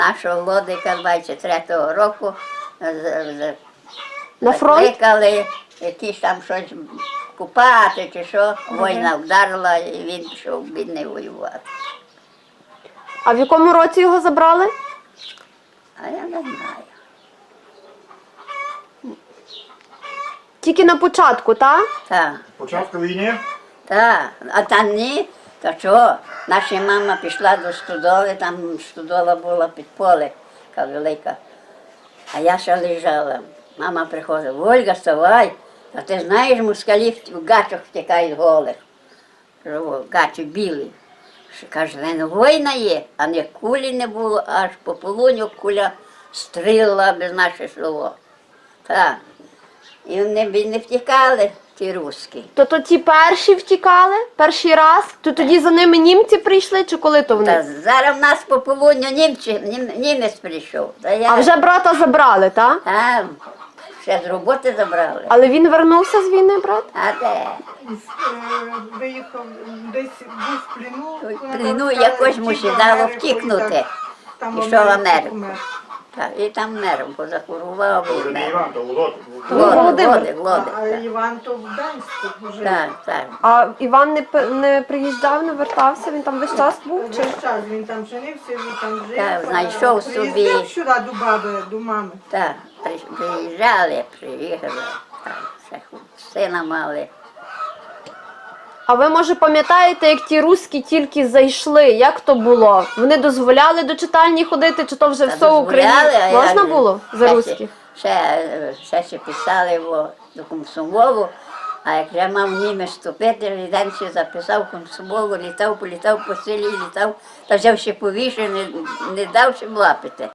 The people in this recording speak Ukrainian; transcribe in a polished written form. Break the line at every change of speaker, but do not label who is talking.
Нашого Лодика 23-го року
На фронт?
закликали якісь там щось купати чи що. Війна вдарила і він пішов бідний воювати.
А в якому році його забрали?
А я не знаю.
Тільки на початку, так?
Так,
Початку війни?
так. А там ні, то чого? Наша мама пішла до стодоли, там стодола була під поле, така велика. А я ще лежала. Мама приходила: Ольга, вставай, а ти знаєш, москалі в гачах втікають голих. Кажу: гачі білі. Каже, не війна є, а не кулі не було, аж по полуню куля стріляла без наше село. Так. І вони б не втікали, ті руські.
То ті перші втікали, перший раз, то тоді за ними німці прийшли, чи коли то
Та
вони?
зараз в нас по полудню німець прийшов. Та я,
А вже брата забрали, так?
А, ще з роботи забрали.
Але він вернувся з війни, брат?
А де?
Виїхав десь був в плену.
В плену якось мусі дало втікнути. Пішов в Америку. Так, і там мером позахворував.
Це вже
і
не
мер.
Іван, то Володик.
Володик.
А Іван то в Гданську вже.
Так, так.
А Іван не приїжджав, не вертався, він там весь час був? Чи?
Весь час він там женився, він там жив.
Так, знайшов собі.
Приїздив сюди до баби, до мами.
Так, приїхали. Так, ще сина мали.
А ви, може, пам'ятаєте, як ті руські тільки зайшли? Як то було? Вони дозволяли до читальні ходити, чи то вже
Та
все в Україні?
дозволяли, а
Можна
як же?
було за
Ще-
руських?
Ще писали його до комсомолу, а як вже мав німець вступити, Ріденці записав комсомолу, літав, політав по селі, літав, та взяв ще повіше, не дав ще влапити.